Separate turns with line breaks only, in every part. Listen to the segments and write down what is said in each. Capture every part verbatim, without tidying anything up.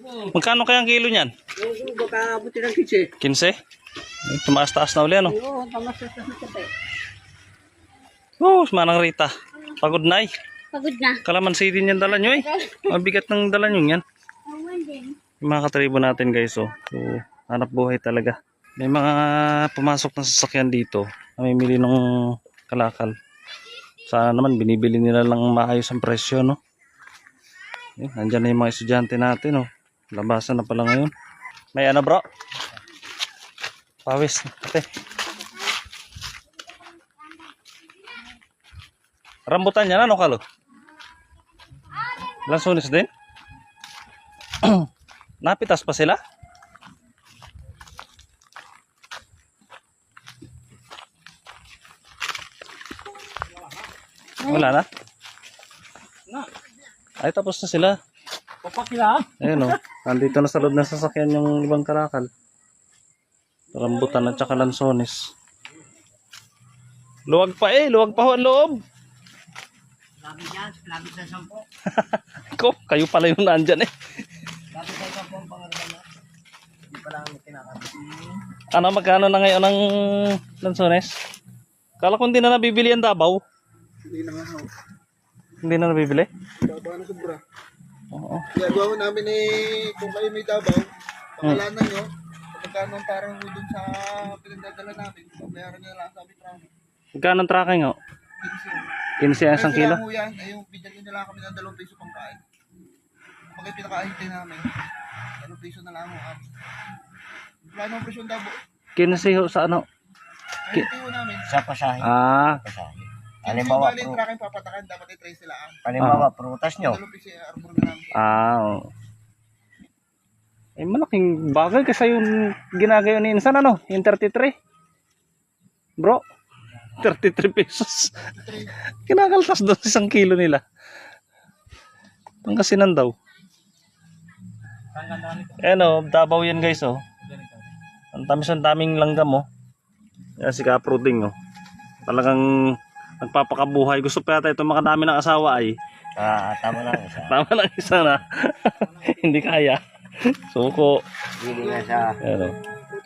Magkano kaya ang kilo niyan?
Oo, baka abuti ng kitse.
quince? Tumaas-taas na uli ano?
Oo, tamas-taas na kitse.
Oh, manang Rita. Pagod na eh.
Pagod na.
Kalamansi din yan dala nyo eh. Mabigat ng dala nyo yan.
Awan din.
Yung mga katribo natin guys oh. So, hanap buhay talaga. May mga pumasok na sasakyan dito. Namimili ng kalakal. Sana naman binibili nila lang maayos ang presyo no. Eh, nandyan na yung mga estudyante natin oh. Labasan na pala ngayon. May ano bro? Pawis. Ate. Rambutan yan ano kalo? Lansones din? Napitas pa sila? Wala na? Ay tapos na sila.
Papakila.
Ayun oh. Nandito na sa loob ng sasakyan yung ibang kalakal. Rambutan at saka lansones. Luwag pa eh. Luwag pa ho ang loob.
Labi dyan, labi sa sampo.
Ko, kayo pala yung nandyan eh.
Labi sa sampo ang pangalaman na. Hindi pa lang kinakabit.
Ano, magkano na ngayon ang lansones? Kala ko hindi na nabibili ang Davao.
Hindi na nga ho.
Hindi na nabibili?
Dabaw na sobra.
Oo.
Gagawa ko namin eh, kung kayo may dabaw, pangalanan nyo, magkano ang parang doon sa pinagdadala namin, bayaran nyo lang sa amin.
Magkano ang tracking oh? quince ang isang kilo?
Kaya yan, ay yung bigyan nyo lang kami ng dalawang piso pang kain. Pag yung pinakaahintay namin, dalawang piso na lang ang amin. Plano ang presyon dabo.
quince ho sa ano?
Ay, ito namin.
Sa pasahe.
Ah,
Pasahe.
Halimbawa,
Halimbawa,
yung
pru
tracking papatakan, dapat ay trace sila ang.
halimbawa prutas nyo.
Dalawang piso yung arbor na namin.
ah, oo. Eh, malaking bagay kasi yung ginagayo ni Insan ano? Yung thirty-three. Bro, thirty-three pesos. Kinakaltas doon isang kilo nila. Pangasinan daw. Ayan o, Davao yan guys oh. Ang tamis ang daming langgam oh. Yan si Kapruding oh. Talagang nagpapakabuhay. Gusto pa yata ito makadami ng asawa ay.
Ah, tama lang isa.
Tama lang isa na. Hindi kaya. Suko.
Hindi nga sa
Ayan oh.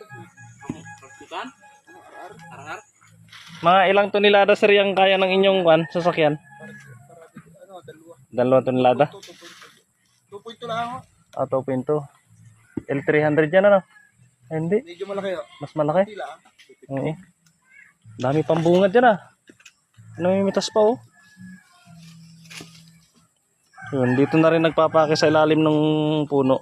Mga ilang tonelada sir yung kaya ng inyong kwan, sasakyan?
Ano, dalawa.
Dalawang tonelada?
two point two lang ako.
Ah, two point two. L three hundred yan ano? Ay, hindi.
Medyo malaki oh.
Mas malaki.
Hindi lang.
Oo. Dami pang bungad yan ah. Namimitas pa oh. Yun, dito na rin nagpapake sa ilalim ng puno.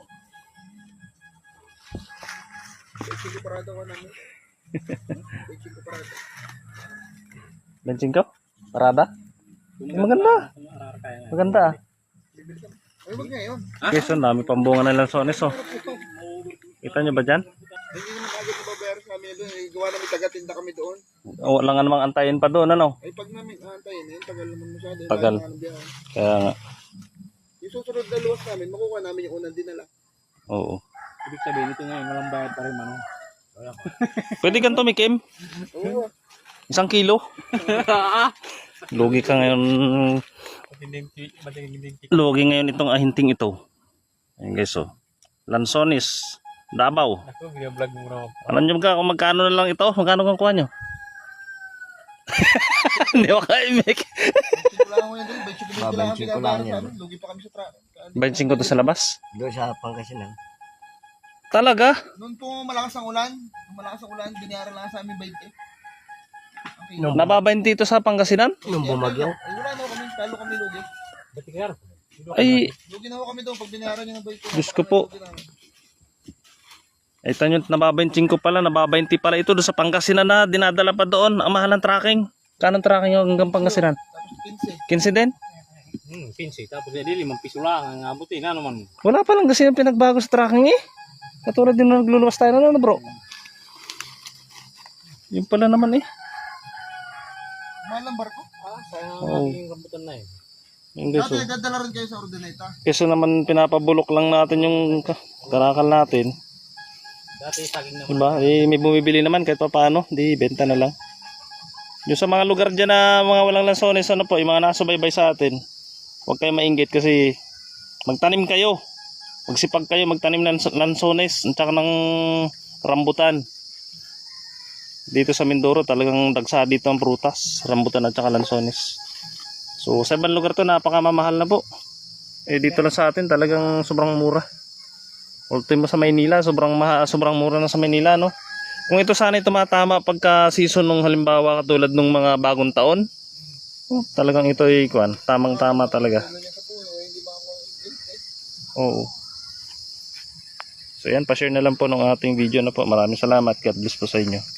Sige parado ko namin. Sige parado.
Benching ka? Parada? Eh, maganda. Maganda ah.
Ay, wag ngayon.
Quezon, dami pang bunga ng lansones oh. Kita nyo ba dyan?
Hindi naman agad nababayaran sa amin doon. Eh, gawa namin taga-tinda kami doon.
O, wala nga namang antayin pa doon ano?
Ay, pag namin aantayin, eh, tagal naman masyado. eh,
Tagal.
kaya nga ng biyahe.
Kaya nga.
Yung susunod na luwas namin, makukuha namin yung unang dinala.
Oo.
Ibig sabihin ito ngayon, walang bayad pa rin ano.
Pwede kang tumikim?
Oo.
Isang kilo? Lugi ka ngayon. Lugi ngayon itong ahinting ito. Ayan guys oh. Lansones. Davao.
Ako, binablog mo raw.
Alam nyo ba kung magkano na lang ito? Magkano kang kuha nyo? Hindi ko ka-imik.
Benching ko lang ako yan doon. Benching ko lang kami
Babenching ko lang
binabayaran sa
yan.
amin. Lugi pa kami sa tra...
Benching ko to sa labas.
doon sa Pangasinan.
Talaga?
Noon po malakas ang ulan. Nung malakas ang ulan, binayaran lang sa amin twenty. Okay.
Nung,
Nababayin dito sa Pangasinan?
nung bumagyo.
Ay, wala na kami. Talo kami lugi.
Ay,
Lugi na ako kami doon pag binayaran nyo ng twenty.
Diyos ko po. Ay, tanyo, nababayin ko pala, nababayin pala ito doon sa Pangasinan na dinadala pa doon. Ang mahal ng tracking. Kanang tracking yung hanggang Pangasinan?
Tapos quince.
quince din?
Hmm, pinsi. Tapos hindi, limang piso lang ang abutin. Ano man?
Wala pa lang kasi yung pinagbago sa tracking eh. Katulad din na nagluluwas tayo na ano bro. Yung pala naman eh.
Mahal ang barko.
Ah, sayang
Oo.
ang aking rambutan na eh.
Yung guys
Dati,
oh.
dadala rin kayo sa Ordineta.
Kasi naman pinapabulok lang natin yung ka- karakal natin.
Dati saging naman.
Diba? Eh, may bumibili naman kahit pa paano. Di, benta na lang. Yung sa mga lugar dyan na mga walang lansones, ano po, yung mga nasubaybay sa atin, huwag kayo mainggit kasi magtanim kayo. Magsipag kayo magtanim ng lansones at saka ng rambutan. Dito sa Mindoro talagang dagsa dito ang prutas, rambutan at saka lansones. So sa ibang lugar to napakamamahal na po. Eh dito lang sa atin talagang sobrang mura. Ultimo sa Maynila, sobrang maha, sobrang mura na sa Maynila, no. Kung ito sana ay tumatama pagka season nung halimbawa katulad nung mga bagong taon, oh, talagang ito ay kuan, tamang-tama talaga. Oo. So yan, pa-share na lang po ng ating video na po. Maraming salamat. God bless po sa inyo.